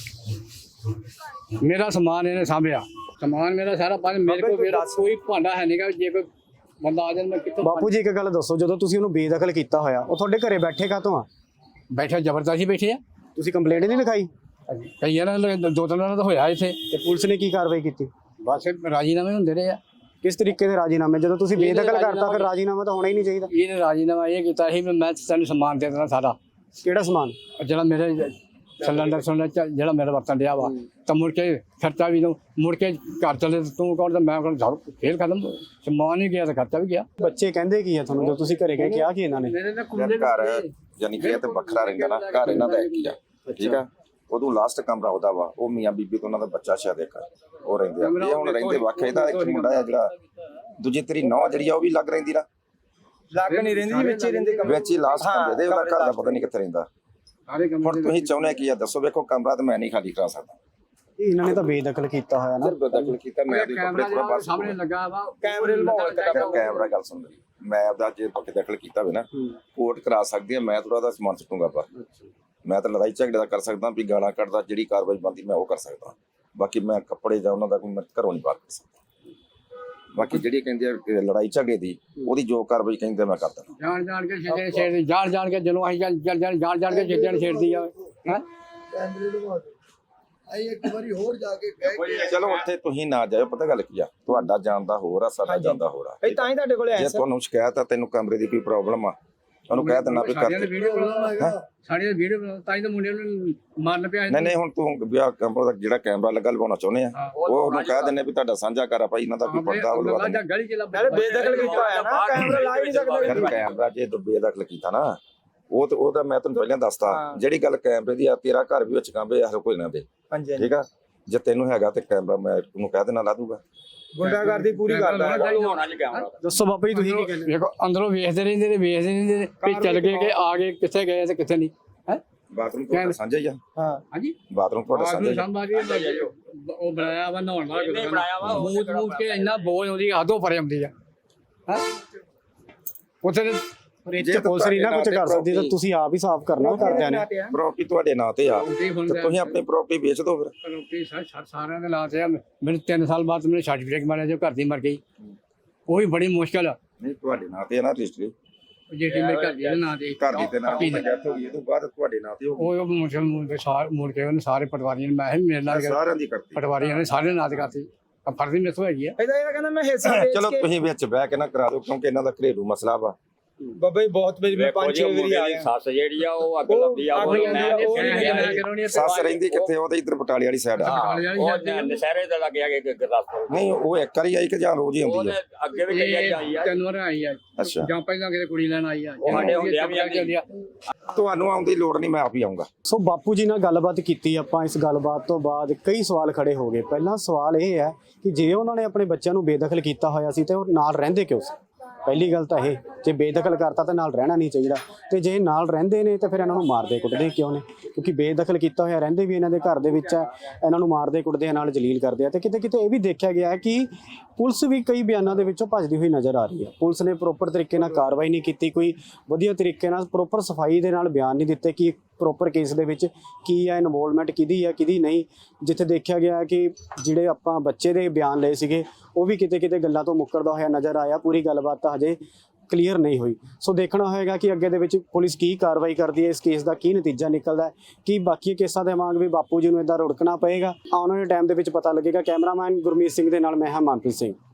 ਮੇਰਾ ਸਮਾਨ ਇਹਨੇ ਸਾਂਭਿਆ, ਸਮਾਨ ਮੇਰਾ ਸਾਰਾ ਪੰਜ ਮੇਰੇ ਕੋਲ। ਮੇਰਾ ਕੋਈ ਭਾਂਡਾ ਹੈ ਨਹੀਂਗਾ, ਜੇ ਕੋਈ ਬੰਦਾ ਆ ਜਾਵੇ ਮੈਂ ਕਿੱਥੋਂ?
ਬਾਪੂ ਜੀ ਇੱਕ ਗੱਲ ਦੱਸੋ, ਜਦੋਂ ਤੁਸੀਂ ਉਹਨੂੰ ਬੇਦਖਲ ਕੀਤਾ ਹੋਇਆ, ਉਹ ਤੁਹਾਡੇ ਘਰੇ ਬੈਠੇ ਕਾਹਤੋਂ ਆ?
ਬੈਠੇ ਜ਼ਬਰਦਸਤੀ ਬੈਠੇ ਆ।
ਤੁਸੀਂ ਕੰਪਲੇਂਟ ਨਹੀਂ ਲਿਖਾਈ?
ਕਈ ਇਹਨਾਂ ਨੇ 2-3 ਦਿਨਾਂ ਦਾ ਹੋਇਆ ਇੱਥੇ।
ਤੇ ਪੁਲਿਸ ਨੇ ਕੀ ਕਾਰਵਾਈ ਕੀਤੀ?
ਬਸ ਰਾਜੀਨਾਮੇ ਹੁੰਦੇ ਰਹੇ ਆ।
ਕਿਸ ਤਰੀਕੇ ਦੇ ਰਾਜੀਨਾਮੇ? ਜਦੋਂ ਤੁਸੀਂ ਬੇਦਖਲ ਕਰਤਾ ਫਿਰ ਰਾਜੀਨਾਮਾ ਤਾਂ ਹੋਣਾ ਹੀ ਨਹੀਂ ਚਾਹੀਦਾ।
ਇਹਨੇ ਰਾਜੀਨਾਮਾ ਇਹ ਕੀਤਾ ਸੀ ਵੀ ਮੈਂ ਤੈਨੂੰ ਸਮਾਨ ਦੇ ਦੇਣਾ ਸਾਰਾ।
ਕਿਹੜਾ ਸਮਾਨ?
ਜਿਹੜਾ ਮੇਰੇ ਸਿਲੰਡਰ ਜਿਹੜਾ ਮੇਰਾ ਵਰਤਨ ਡਿਆ ਵਾ, ਤਾਂ ਮੁੜ ਕੇ ਖਰਚਾ ਵੀ ਦਊਂ। ਮੁੜ ਕੇ ਘਰ ਚਲੇ ਤੂੰ ਕੌਣ? ਤਾਂ ਮੈਂ ਕੋਲ ਫੇਰ ਖਤਮ, ਸਮਾਨ ਹੀ ਗਿਆ ਤੇ ਖਰਚਾ ਵੀ ਗਿਆ।
ਬੱਚੇ ਕਹਿੰਦੇ ਕੀ ਆ ਤੁਹਾਨੂੰ ਜਦੋਂ ਤੁਸੀਂ ਘਰੇ ਗਏ? ਕਿਹਾ ਕੀ ਇਹਨਾਂ ਨੇ?
ਘਰ ਯਾਨੀ ਕਿ ਇਹ ਤੇ ਵੱਖਰਾ ਰਹਿੰਦਾ ਨਾ, ਘਰ ਇਹਨਾਂ ਦਾ ਇੱਕ ਹੀ ਆ, ਠੀਕ ਆ। ਉਦੋਂ ਲਾਸਟ ਕਮਰਾ ਉਹਦਾ ਵਾ, ਉਹ ਮੀਆਂ ਬੀਬੀ ਤੋਂ ਉਹਨਾਂ ਦਾ ਬੱਚਾ ਸ਼ਾਇਦ ਇੱਕ ਉਹ ਰਹਿੰਦੇ ਆ। ਇਹ ਹੁਣ ਰਹਿੰਦੇ ਵੱਖ। ਇਹਦਾ ਇੱਕ ਮੁੰਡਾ ਆ ਜਿਹੜਾ ਦੂਜੀ ਤੇਰੀ ਨੌ ਜਿਹੜੀ ਆ ਉਹ ਵੀ ਲੱਗ ਰਹਿੰਦੀ ਨਾ,
ਲੱਗ ਨਹੀਂ ਰਹਿੰਦੀ ਜੀ, ਵਿੱਚ ਹੀ ਰਹਿੰਦੇ
ਵਿੱਚ ਹੀ ਲਾਸਟ ਕਮਰੇ ਦੇ। ਉਹਦਾ ਘਰ ਦਾ ਪਤਾ ਨਹੀਂ ਕਿੱਥੇ ਰਹਿੰਦਾ। ਹੁਣ ਤੁਸੀਂ ਚਾਹੁੰਦੇ ਕੀ ਆ ਦੱਸੋ? ਵੇਖੋ ਕਮਰਾ ਤਾਂ ਮੈਂ ਨਹੀਂ ਖਾਲੀ ਕਰਾ ਸਕਦਾ।
ਇਹਨਾਂ ਨੇ ਤਾਂ ਬੇਦਖਲ ਕੀਤਾ ਹੋਇਆ ਨਾ।
ਬੇਦਖਲ ਕੀਤਾ ਮੈਂ ਆਪਣੀ ਕੱਪੜੇ ਥੋੜਾ ਬਾਹਰ
ਸਾਹਮਣੇ ਲੱਗਾ ਵਾ,
ਕੈਮਰੇ ਲਵਾਉਣ।
ਕੈਮਰਾ ਗੱਲ ਸੁਣ ਲਈ, ਮੈਂ ਆਪਦਾ ਜੇ ਬੇਦਖਲ ਕੀਤਾ ਹੋਵੇ ਨਾ, ਕੋਰਟ ਕਰਾ ਸਕਦੀ ਹੈ। ਮੈਂ ਥੋੜਾ ਦਾ ਸਮਾਨ ਸੁੱਟੂਗਾ ਪਰ ਮੈਂ ਤਾਂ ਲੜਾਈ ਝਗੜੇ ਦਾ ਕਰ ਸਕਦਾ, ਵੀ ਗਾਲਾਂ ਕੱਢਦਾ, ਜਿਹੜੀ ਕਾਰਵਾਈ ਬਣਦੀ ਮੈਂ ਉਹ ਕਰ ਸਕਦਾ। ਬਾਕੀ ਮੈਂ ਕੱਪੜੇ ਜਾਂ ਉਹਨਾਂ ਦਾ ਕੋਈ ਮੈਂ ਘਰੋਂ ਨਹੀਂ ਬਾਹਰ ਕਰ ਸਕਦਾ। ਬਾਕੀ ਜਿਹੜੀ ਕਹਿੰਦੇ ਆ ਲੜਾਈ ਝਗੜੇ ਦੀ, ਉਹਦੀ ਜੋ ਕਾਰਵਾਈ ਕਹਿੰਦੇ ਮੈਂ ਕਰ ਦਿੰਦਾ।
ਜਾਣ ਕੇ ਛੇੜਦੀ, ਜਾਣ ਕੇ ਜਦੋਂ ਅਸੀਂ ਜਾਣ ਕੇ ਛੇੜਨ ਛੇੜਦੀ ਆ। ਹੈ
ਇੱਕ ਵਾਰੀ ਹੋਰ ਜਾ ਕੇ ਕਹਿ
ਚਲੋ ਉੱਥੇ ਤੁਸੀਂ ਨਾ ਜਾਇਓ, ਪਤਾ ਗੱਲ ਕੀ ਆ, ਤੁਹਾਡਾ ਜਾਣ ਦਾ ਹੋਰ ਆ, ਸਾਡਾ ਜਾਣ ਦਾ ਹੋਰ ਆ।
ਤਾਂ ਹੀ ਤੁਹਾਡੇ ਕੋਲ ਆਇਆ
ਜੇ ਤੁਹਾਨੂੰ ਸ਼ਿਕਾਇਤ ਆ, ਤੈਨੂੰ ਕਮਰੇ ਦੀ ਕੋਈ ਪ੍ਰੋਬਲਮ ਆ, ਉਹਨੂੰ ਕਹਿ ਦਿੰਦਾ ਵੀ ਕਰ
ਸਾਡੀਆਂ ਵੀਡੀਓ ਤਾਂ ਹੀ ਤਾਂ ਮੁੰਡੇ ਨੂੰ ਮਾਰਨ ਪਿਆ
ਨਹੀਂ ਹੁਣ ਤੂੰ ਵਿਆਹ ਕੈਮਰਾ ਦਾ ਜਿਹੜਾ ਕੈਮਰਾ ਲੱਗਾ ਲਵਾਉਣਾ ਚਾਹੁੰਦੇ ਆ ਉਹ ਉਹਨੂੰ ਕਹਿ ਦਿੰਦੇ ਵੀ ਤੁਹਾਡਾ ਸਾਂਝਾ ਘਰ ਆ ਭਾਈ ਇਹਨਾਂ ਦਾ ਕੋਈ ਪਰਦਾ ਉਹ ਲਵਾ ਦਿੰਦੇ
ਗਲੀ ਚ
ਬੇਦਖਲ ਕੀਤਾ ਹੋਇਆ ਨਾ ਕੈਮਰਾ ਲਾ ਹੀ ਨਹੀਂ ਸਕਦੇ
ਯਾਰ ਕੈਮਰਾ ਜੇ ਤੂੰ ਬੇਦਖਲ ਕੀਤਾ ਨਾ ਉਹ ਤੇ ਉਹਦਾ ਮੈਂ ਤੈਨੂੰ ਪਹਿਲਾਂ ਦੱਸਤਾ ਜਿਹੜੀ ਗੱਲ ਕੈਮਰੇ ਦੀ ਆ ਤੇਰਾ ਘਰ ਵੀ ਵਿੱਚ ਕਾਂਬੇ ਹਰ ਕੋਈ ਨਾ ਦੇ
ਹਾਂਜੀ
ਠੀਕ ਆ ਜੇ ਤੈਨੂੰ ਹੈਗਾ ਤੇ ਕੈਮਰਾ ਮੈਂ ਉਹਨੂੰ ਕਹਿ ਦੇਣਾ ਲਾ ਦੂਗਾ
ਗੁੰਡਾਗਰਦੀ ਪੂਰੀ ਕਰਦਾ ਹੈ
ਹੋਣਾ ਜੀ ਕੈਮਰਾ
ਦੱਸੋ ਬਾਬਾ ਜੀ ਤੁਸੀਂ ਕੀ ਕਹਿੰਦੇ
ਵੇਖੋ ਅੰਦਰੋਂ ਵੇਖਦੇ ਰਹਿੰਦੇ ਨੇ ਵੀ ਚੱਲ ਗਏ ਕਿ ਆ ਗਏ ਕਿੱਥੇ ਗਏ ਤੇ ਕਿੱਥੇ ਨਹੀਂ ਹੈ
ਬਾਥਰੂਮ ਤੁਹਾਡਾ ਸਾਂਝਾ ਹੀ ਆ
ਹਾਂ
ਹਾਂਜੀ
ਬਾਥਰੂਮ ਤੁਹਾਡਾ ਸਾਂਝਾ ਹੀ ਆ।
ਸੰਭਾਜੀ ਉਹ ਬਣਾਇਆ ਵਾ ਨਹਾਉਣ ਵਾਲਾ
ਇਹਨੇ ਬਣਾਇਆ ਵਾ, ਉਹ
ਮੂਤ ਕੇ ਇੰਨਾ ਬੋਝ ਆਉਂਦੀ ਹੱਦੋਂ ਪਰੇ ਆਉਂਦੀ ਆ ਹੈ ਉੱਥੇ
ਪਰ ਇਹ 'ਚ ਪੁਲਿਸ ਨਹੀਂ ਨਾ ਕੁਝ ਕਰ ਸਕਦੀ ਤਾਂ ਤੁਸੀਂ ਆਪ ਹੀ ਸਾਫ਼ ਕਰਨਾ ਘਰਦਿਆਂ ਨੇ
ਪ੍ਰਾਪਰਟੀ ਤੁਹਾਡੇ ਨਾਂ ਤੇ ਆ
ਰੋਟੀ ਹੁਣ
ਤੇ ਤੁਸੀਂ ਆਪਣੀ ਪ੍ਰਾਪਰਟੀ ਵੇਚ ਦਿਓ ਫਿਰ
ਰੋਟੀ ਸਾਰਿਆਂ ਦੇ ਲਾ ਤੇ ਆ ਮੈਨੂੰ 3 ਸਾਲ ਬਾਅਦ ਮੈਨੂੰ ਸਰਟੀਫਿਕੇਟ ਮਿਲਿਆ ਜੋ ਘਰ ਦੀ ਮਰ ਗਈ ਉਹ ਵੀ ਬੜੀ ਮੁਸ਼ਕਲ ਆ
ਨਹੀਂ ਤੁਹਾਡੇ ਨਾਂ ਤੇ ਆ ਨਾ ਰਜਿਸਟਰੀ
ਜਿਹੜੀ ਮੇਰੇ ਘਰ ਦੀ ਦੇ ਨਾਂ ਤੇ
ਘਰ ਦੀ ਤੇ ਨਾਂ ਤੇ ਡੈਥ ਹੋ ਗਈ ਇਹ ਤੋਂ ਬਾਅਦ ਤੁਹਾਡੇ ਨਾਂ ਤੇ ਹੋ ਗਈ
ਉਹ ਮੁਸ਼ਕਲ ਮੁੜ ਕੇ ਉਹਨੇ ਸਾਰੇ ਪਟਵਾਰੀਆਂ ਨੇ ਮੈਂ ਵੀ ਮੇਰੇ ਨਾਲ
ਸਾਰਿਆਂ ਦੀ ਕਰਤੀ
ਪਟਵਾਰੀਆਂ ਨੇ ਸਾਰੇ ਨਾਂ ਤੇ ਕਰਤੀ ਆ ਫਰਜ਼ੀ ਮੇਥੋਂ ਹੈਗੀ ਆ
ਇਹਦਾ ਇਹ ਕਹਿੰਦਾ ਮੈਂ ਹਿੱਸਾ ਵੇਚ
ਚਲੋ
ਕੇ
ਤੁਸੀਂ ਵਿੱਚ ਬਹਿ ਕੇ ਨਾ ਕਰਾ ਦਿਓ ਕਿਉਂਕਿ ਇਹਨਾਂ ਦਾ ਘਰੇਲੂ ਮਸਲਾ ਵਾ
ਬਾਬਾ ਜੀ ਬਹੁਤ ਵਾਰੀ ਮੈਂ
ਵੇਖੋ
5-6
ਜੀ
ਵਾਰੀ
ਮੁੰਡੇ
ਆ
ਦੀ
ਗਿਆ
ਸੱਸ ਜਿਹੜੀ ਆ ਉਹ ਅੱਗ
ਉਹ
ਲੱਭਦੀ ਆ ਉਹ
ਅੱਗ
ਮੈਂ
ਲੱਭਦੀ ਆ, ਉਹ
ਨਹੀਂ
ਕਰਾਉਣੀ
ਸੱਸ ਰਹਿੰਦੀ ਕਿੱਥੇ ਉਹ ਤਾਂ ਇੱਧਰ ਬਟਾਲੇ ਵਾਲੀ ਸਾਈਡ ਆ
ਉਹ ਨਸ਼ਹਿਰੇ ਤੇ ਲੱਗ ਗਿਆ ਕਿ ਗੁਰਦਾਸਪੁਰ
ਨਹੀਂ ਉਹ ਇੱਕ ਵਾਰੀ ਆਈ ਕਿ ਜਾਂ ਰੋਜ਼ ਹੀ ਆਉਂਦੀ
ਉਹਨੇ
ਆ
ਅੱਗੇ ਵੀ ਕਈ ਆਈ ਆ
3 ਵਾਰ ਆਈ ਆ
ਅੱਛਾ
ਜਾਂ ਪਹਿਲਾਂ ਕਿਤੇ ਕੁੜੀ ਲੈਣ ਆਈ ਆ
ਉਹ ਸਾਡੇ ਹੁੰਦਿਆਂ ਵੀ ਆਉਂਦੀ
ਤੁਹਾਨੂੰ ਆਉਣ ਦੀ ਲੋੜ ਨਹੀਂ ਮੈਂ ਆਪ ਹੀ ਆਉਂਗਾ
ਸੋ ਬਾਪੂ ਜੀ ਨਾਲ ਗੱਲਬਾਤ ਕੀਤੀ ਆਪਾਂ ਇਸ ਗੱਲਬਾਤ ਤੋਂ ਬਾਅਦ ਕਈ ਸਵਾਲ ਖੜੇ ਹੋ ਗਏ ਪਹਿਲਾ ਸਵਾਲ ਇਹ ਹੈ ਕਿ ਜੇ ਉਹਨਾਂ ਨੇ ਆਪਣੇ ਬੱਚਿਆਂ ਨੂੰ ਬੇਦਖਲ ਕੀਤਾ ਹੋਇਆ ਸੀ ਤੇ ਉਹ ਨਾਲ ਰਹਿੰਦੇ ਕਿਉਂ ਸੀ ਪਹਿਲੀ ਗੱਲ ਤਾਂ ਇਹ ਜੇ ਬੇਦਖਲ ਕਰਤਾ ਤਾਂ ਨਾਲ ਰਹਿਣਾ ਨਹੀਂ ਚਾਹੀਦਾ ਤੇ ਜੇ ਨਾਲ ਰਹਿੰਦੇ ਨੇ ਤਾਂ ਫਿਰ ਇਹਨਾਂ ਨੂੰ ਮਾਰਦੇ ਕੁੱਟਦੇ ਕਿਉਂ ਨੇ ਕਿਉਂਕਿ ਬੇਦਖਲ ਕੀਤਾ ਹੋਇਆ ਰਹਿੰਦੇ ਵੀ ਇਹਨਾਂ ਦੇ ਘਰ ਦੇ ਵਿੱਚ ਹੈ ਇਹਨਾਂ ਨੂੰ ਮਾਰਦੇ ਕੁੱਟਦੇ ਆ ਨਾਲ ਜਲੀਲ ਕਰਦੇ ਆ ਤੇ ਕਿਤੇ ਕਿਤੇ ਇਹ ਵੀ ਦੇਖਿਆ ਗਿਆ ਹੈ ਕਿ ਪੁਲਿਸ ਵੀ ਕਈ ਬਿਆਨਾਂ ਦੇ ਵਿੱਚੋਂ ਭੱਜਦੀ ਹੋਈ ਨਜ਼ਰ ਆ ਰਹੀ ਹੈ ਪੁਲਿਸ ਨੇ ਪ੍ਰੋਪਰ ਤਰੀਕੇ ਨਾਲ ਕਾਰਵਾਈ ਨਹੀਂ ਕੀਤੀ ਕੋਈ ਵਧੀਆ ਤਰੀਕੇ ਨਾਲ ਪ੍ਰੋਪਰ ਸਫਾਈ ਦੇ ਨਾਲ ਬਿਆਨ ਨਹੀਂ ਦਿੱਤੇ ਕਿ ਪ੍ਰੋਪਰ ਕੇਸ ਦੇ ਵਿੱਚ ਕੀ ਹੈ ਇਨਵੋਲਵਮੈਂਟ ਕਿਹਦੀ ਹੈ ਕਿਹਦੀ ਨਹੀਂ ਜਿੱਥੇ ਦੇਖਿਆ ਗਿਆ ਕਿ ਜਿਹੜੇ ਆਪਾਂ ਬੱਚੇ ਦੇ ਬਿਆਨ ਲਏ ਸੀਗੇ ਉਹ ਵੀ ਕਿਤੇ ਕਿਤੇ ਗੱਲਾਂ ਤੋਂ ਮੁੱਕਰਦਾ ਹੋਇਆ ਨਜ਼ਰ ਆਇਆ ਪੂਰੀ ਗੱਲਬਾਤ ਤਾਂ ਹਜੇ ਕਲੀਅਰ ਨਹੀਂ ਹੋਈ ਸੋ ਦੇਖਣਾ ਹੋਏਗਾ ਕਿ ਅੱਗੇ ਦੇ ਵਿੱਚ ਪੁਲਿਸ ਕੀ ਕਾਰਵਾਈ ਕਰਦੀ ਹੈ ਇਸ ਕੇਸ ਦਾ ਕੀ ਨਤੀਜਾ ਨਿਕਲਦਾ ਹੈ ਕੀ ਬਾਕੀ ਕੇਸਾਂ ਦੇ ਵਾਂਗ ਵੀ ਬਾਪੂ ਜੀ ਨੂੰ ਇਦਾਂ ਰੁੜਕਣਾ ਪਏਗਾ ਆਉਣ ਵਾਲੇ ਟਾਈਮ ਦੇ ਵਿੱਚ ਪਤਾ ਲੱਗੇਗਾ ਕੈਮਰਾਮੈਨ ਗੁਰਮੀਤ ਸਿੰਘ ਦੇ ਨਾਲ ਮੈਂ ਹਾਂ ਮਨਪ੍ਰੀਤ ਸਿੰਘ